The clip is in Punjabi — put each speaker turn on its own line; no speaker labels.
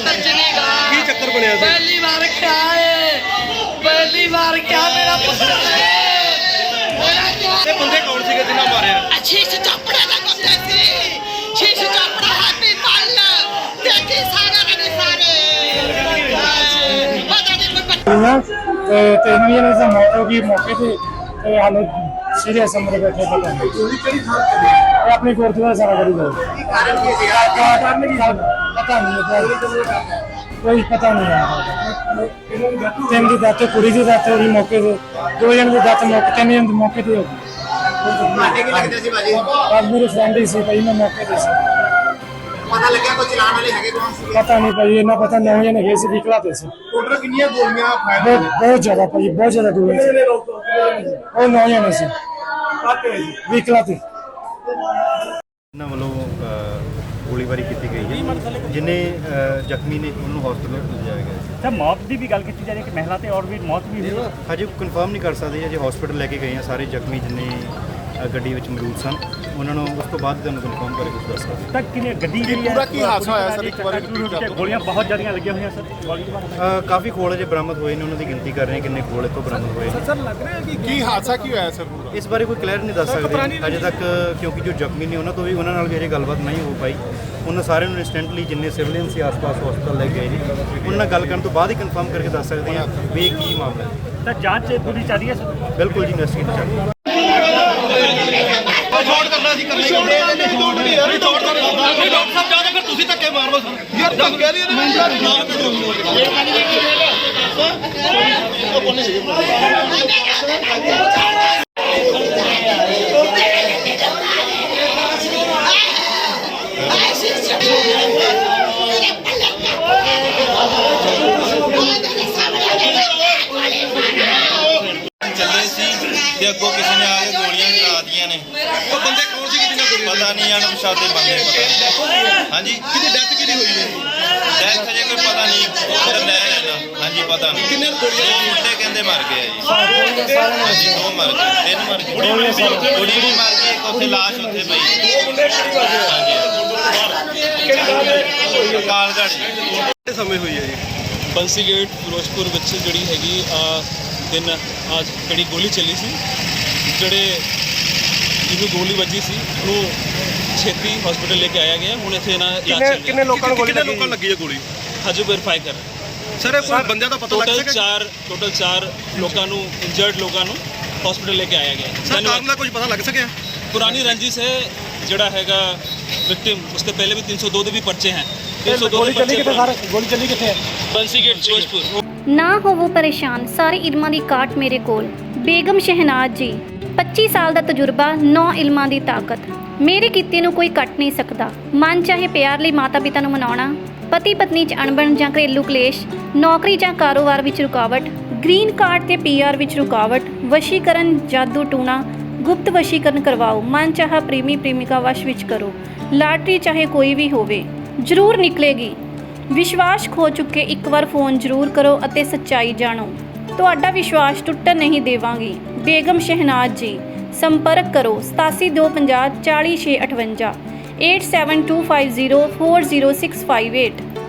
ਕੀ ਚੱਕਰ ਬਣਿਆ ਸੀ?
ਪਹਿਲੀ ਵਾਰ ਕਿਆ ਮੇਰਾ ਪੁੱਤਰ
ਇਹ ਬੰਦੇ ਕੌਣ ਸੀਗੇ ਜਿਨ੍ਹਾਂ ਮਾਰਿਆ?
ਸ਼ੀਸ਼ ਚਾਪੜਾ ਦਾ ਬੰਦਾ ਸੀ। ਸ਼ੀਸ਼ ਚਾਪੜਾ ਹਾਥੀ ਪੱਲ ਦੇਖੀ ਸਾਰੇ ਪਤਾ ਨਹੀਂ ਕੋਈ
ਤੇ 3 ਜਣੇ ਦੀ ਮੌਤ ਹੋ ਗਈ ਮੌਕੇ ਤੇ ਹਾਲੇ ਸੀਰੀਅਸ ਅੰਦਰ ਬੈਠੇ ਪਤਾ ਨਹੀਂ ਇਹ ਆਪਣੀ ਗੁਰਦੁਆਰਾ ਸਾਰਾ ਕਰੀ ਗਏ ਕਾਰਨ ਕੀ ਪਤਾ ਨਹੀਂ ਕੋਈ ਪਤਾ ਨਹੀਂ ਆ ਤਿੰਨ ਦੀ ਦਾਤ ਕੁੜੀ ਦੀ ਦਾਤ ਹੋਈ ਮੌਕੇ ਤੇ 2 ਜਣੇ ਦੀ ਦਾਤ ਮੌਕੇ 3 ਜਣੇ ਦੀ ਮੌਕੇ ਤੇ ਹੋ ਗਈ ਮੇਰੇ ਫਰੈਂਡ ਹੀ ਸੀ ਭਾਈ ਮੈਂ ਮੌਕੇ ਤੇ ਸੀ
ਪਤਾ ਲੱਗਿਆ ਕੋਈ ਚਲਾਣ ਵਾਲੇ ਹੈਗੇ ਕੌਣ ਸੀ?
ਪਤਾ ਨਹੀਂ ਭਾਈ ਇਹਨਾਂ ਪਤਾ 9 ਜਣੇ ਗਏ ਸੀ ਵਿਕਲਾ ਤੇ ਸੀ
ਟੋਟਲ ਕਿੰਨੀਆਂ ਗੋਲੀਆਂ ਫਾਇਰ
ਬਹੁਤ ਜ਼ਿਆਦਾ ਭਾਈ ਬਹੁਤ ਜ਼ਿਆਦਾ ਦੂਰ ਸੀ ਉਹ 9 ਜਣੇ ਸੀ ਵਿਕਲਾ ਤੇ
ਇਹਨਾਂ ਵੱਲੋਂ ਗੋਲੀਬਾਰੀ ਕੀਤੀ ਗਈ ਹੈ ਜਿਨੇ ਜ਼ਖਮੀ ਨੇ ਉਹਨੂੰ ਹਸਪਤਾਲ ਲਿਜਾਇਆ ਗਿਆ
ਸਰ ਮੌਤ ਦੀ ਵੀ ਗੱਲ ਕੀਤੀ ਜਾ ਰਹੀ ਹੈ ਕਿ ਮਹਿਲਾ ਤੇ ਔਰ ਵੀ ਮੌਤ ਵੀ ਹੋਈ ਹੈ।
ਹਜੇ ਕਨਫਰਮ ਨਹੀਂ ਕਰ ਸਕਦੇ ਅਜੇ ਹਸਪਤਾਲ ਲੈ ਕੇ ਗਏ ਆ ਸਾਰੇ ਜ਼ਖਮੀ ਜਿਨੇ ਗੱਡੀ ਵਿੱਚ ਮੌਜੂਦ ਸਨ ਉਹਨਾਂ ਨੂੰ ਉਸ ਤੋਂ ਬਾਅਦ ਤੁਹਾਨੂੰ ਕਨਫਰਮ ਕਰਕੇ ਕੁਝ ਦੱਸ ਸਕਦੇ
ਤਾਂ ਕਿੰਨੇ ਗੱਡੀ ਜਿਹੜੀ ਹੈ
ਪੂਰਾ ਕੀ ਹਾਦਸਾ ਹੋਇਆ ਸਰ? ਇੱਕ ਵਾਰੀ
ਗੋਲੀਆਂ ਬਹੁਤ ਜ਼ਿਆਦੀਆਂ ਲੱਗੀਆਂ ਹੋਈਆਂ ਸਰ ਗੋਲੀ
ਕਾਫੀ ਖੋਲ ਅਜੇ ਬਰਾਮਦ ਹੋਏ ਨੇ ਉਹਨਾਂ ਦੀ ਗਿਣਤੀ ਕਰ ਰਹੇ ਕਿੰਨੇ ਖੋਲ ਇੱਥੋਂ ਬਰਾਮਦ ਹੋਏ ਨੇ
ਸਰ ਲੱਗ ਰਿਹਾ ਕਿ ਕੀ ਹਾਦਸਾ ਕੀ ਹੋਇਆ ਸਰ ਪੂਰਾ?
ਇਸ ਬਾਰੇ ਕੋਈ ਕਲੀਅਰ ਨਹੀਂ ਦੱਸ ਸਕਦੇ ਅਜੇ ਤੱਕ ਕਿਉਂਕਿ ਜੋ ਜ਼ਖਮੀ ਨੇ ਉਹਨਾਂ ਨਾਲ ਵੀ ਅਜੇ ਗੱਲਬਾਤ ਨਹੀਂ ਹੋ ਪਾਈ ਉਹਨਾਂ ਸਾਰਿਆਂ ਨੂੰ ਇੰਸਟੈਂਟਲੀ ਜਿੰਨੇ ਸਿਵਲੀਅਨ ਸੀ ਆਸ-ਪਾਸ ਹਸਪਤਾਲ ਲੈ ਗਏ ਨੇ ਉਹਨਾਂ ਨਾਲ ਗੱਲ ਕਰਨ ਤੋਂ ਬਾਅਦ ਹੀ ਕਨਫਰਮ ਕਰਕੇ ਦੱਸ ਸਕਦੇ ਹਾਂ ਵੀ ਇਹ ਕੀ ਮਾਮਲਾ ਹੈ।
ਤਾਂ ਜਾਂਚ ਪੂਰੀ ਚੱਲ ਰਹੀ ਹੈ ਸਰ
ਬਿਲਕੁਲ ਜੀ ਇਨਵੈਸਟੀਗੇਟ ਚੱਲ ਰਹੀ ਹੈ।
ਸ਼ਾਟ ਕਰਨਾ ਸੀ ਕਰਨਾ ਸ਼ਾਟ ਨਹੀਂ ਯਾਰ ਸ਼ਾਟ ਕਰ ਡਾਕਟਰ ਸਾਹਿਬ ਜਾਦੇ ਫਿਰ ਤੁਸੀਂ ਧੱਕੇ ਮਾਰੋ ਸਰ ਯਾਰ ਧੱਕੇ ਕਹਿ ਰਹੀ ਹੈ
ਚੱਲੇ ਸੀ ਤੇ ਅੱਗੋਂ ਕਿਸੇ ਨੇ ਆ ਕੇ ਗੋਲੀਆਂ ਚਲਾ ਦਿੱਤੀਆਂ ਨੇ।
ਉਹ ਬੰਦੇ ਕੌਣ ਸੀ ਜਿਹਨਾਂ ਗੋਲੀ
ਪਤਾ ਨਹੀਂ ਅਣਪਛਾਤੇ ਬੰਦੇ ਹਾਂਜੀ
ਕਿਹਦੀ ਡੈਥ ਕਿਹਦੀ ਹੋਈ ਹੈ?
ਡੈਥ ਹਜੇ ਕੋਈ ਪਤਾ ਨਹੀਂ ਉੱਧਰ ਲੈ ਲੈਣਾ ਹਾਂਜੀ ਪਤਾ ਨਹੀਂ
ਕਿੰਨੇ ਗੋਲੀਆਂ
ਮੁੰਡੇ ਕਹਿੰਦੇ ਮਰ ਗਏ ਆ ਜੀ ਹਾਂਜੀ 2 ਮਰ ਗਏ 3 ਮਰ ਗਏ ਕੁੜੀ ਵੀ ਮਰ ਗਈ ਇੱਕ ਉੱਥੇ ਲਾਸ਼ ਉੱਥੇ ਪਈ ਕਾਲਗੜ੍ਹ ਜੀ
ਕਿੰਨੇ ਸਮੇਂ ਹੋਈ ਹੈ ਜੀ?
ਬੰਸੀ ਗੇਟ ਫਿਰੋਜ਼ਪੁਰ ਵਿੱਚ ਜਿਹੜੀ ਹੈਗੀ ਦਿਨ ਅੱਜ ਜਿਹੜੀ ਗੋਲੀ ਚੱਲੀ ਸੀ ਜਿਹੜੇ ਜਿਹਨੂੰ ਗੋਲੀ ਵੱਜੀ ਸੀ ਉਹਨੂੰ ਛੇਤੀ ਹਸਪੀਟਲ ਲੈ ਕੇ ਆਇਆ ਗਿਆ ਹੁਣ ਇੱਥੇ ਇਹਨਾਂ ਇਲਾਜ ਚੱਲ ਰਿਹਾ
ਕਿੰਨੇ ਲੋਕਾਂ ਨੂੰ ਲੱਗੀ ਹੈ ਗੋਲੀ?
ਹਜੇ ਵੈਰੀਫਾਈ ਕਰ ਰਹੇ
ਸਰ ਇਹ ਕੋਈ ਬੰਦਿਆਂ ਦਾ ਪਤਾ ਲੱਗ ਸਕਿਆ?
ਟੋਟਲ 4 ਲੋਕਾਂ ਨੂੰ ਇੰਜਰਡ ਲੋਕਾਂ ਨੂੰ ਹਸਪੀਟਲ ਲੈ ਕੇ ਆਇਆ ਗਿਆ
ਸਰ ਕਾਰਨ ਦਾ ਕੁਝ ਪਤਾ ਲੱਗ ਸਕਿਆ?
ਪੁਰਾਣੀ ਰੰਜਿਸ਼ ਹੈ ਜਿਹੜਾ ਹੈਗਾ ਵਿਕਟਿਮ ਉਸ ਤੋਂ ਪਹਿਲੇ ਵੀ 302 ਦੇ ਵੀ ਪਰਚੇ ਹਨ 302
ਗੋਲੀ ਚੱਲੀ ਕਿੱਥੇ ਸਰ ਗੋਲੀ ਚੱਲੀ ਕਿੱਥੇ ਹੈ?
ਬੰਸੀ ਗੇਟ ਫਿਰੋਜ਼ਪੁਰ
ਨਾ ਹੋਵੋ ਪਰੇਸ਼ਾਨ ਸਾਰੇ ਇਲਮਾਂ ਦੀ ਕਾਟ ਮੇਰੇ ਕੋਲ ਬੇਗਮ ਸ਼ਹਿਨਾਜ਼ ਜੀ 25 ਸਾਲ ਦਾ ਤਜਰਬਾ 9 ਇਲਮਾਂ ਦੀ ਤਾਕਤ ਮੇਰੇ ਕੀਤੇ ਨੂੰ ਕੋਈ ਕੱਟ ਨਹੀਂ ਸਕਦਾ ਮਨ ਚਾਹੇ ਪਿਆਰ ਲਈ ਮਾਤਾ ਪਿਤਾ ਨੂੰ ਮਨਾਉਣਾ ਪਤੀ ਪਤਨੀ 'ਚ ਅਣਬਣ ਜਾਂ ਘਰੇਲੂ ਕਲੇਸ਼ ਨੌਕਰੀ ਜਾਂ ਕਾਰੋਬਾਰ ਵਿੱਚ ਰੁਕਾਵਟ ਗ੍ਰੀਨ ਕਾਰਡ ਤੇ ਪੀਆਰ ਵਿੱਚ ਰੁਕਾਵਟ ਵਸ਼ੀਕਰਨ ਜਾਦੂ ਟੂਣਾ ਗੁਪਤ ਵਸ਼ੀਕਰਨ ਕਰਵਾਓ ਮਨ ਚਾਹਾ ਪ੍ਰੇਮੀ ਪ੍ਰੇਮਿਕਾ ਵਸ਼ ਵਿੱਚ ਕਰੋ ਲਾਟਰੀ ਚਾਹੇ ਕੋਈ ਵੀ ਹੋਵੇ ਜ਼ਰੂਰ ਨਿਕਲੇਗੀ ਵਿਸ਼ਵਾਸ ਖੋ ਚੁੱਕੇ ਇੱਕ ਵਾਰ ਫੋਨ ਜ਼ਰੂਰ ਕਰੋ ਅਤੇ ਸੱਚਾਈ ਜਾਣੋ ਤੁਹਾਡਾ ਵਿਸ਼ਵਾਸ ਟੁੱਟਣ ਨਹੀਂ ਦੇਵਾਂਗੀ ਬੇਗਮ ਸ਼ਹਿਨਾਜ਼ ਜੀ ਸੰਪਰਕ ਕਰੋ 8725040658 8725040658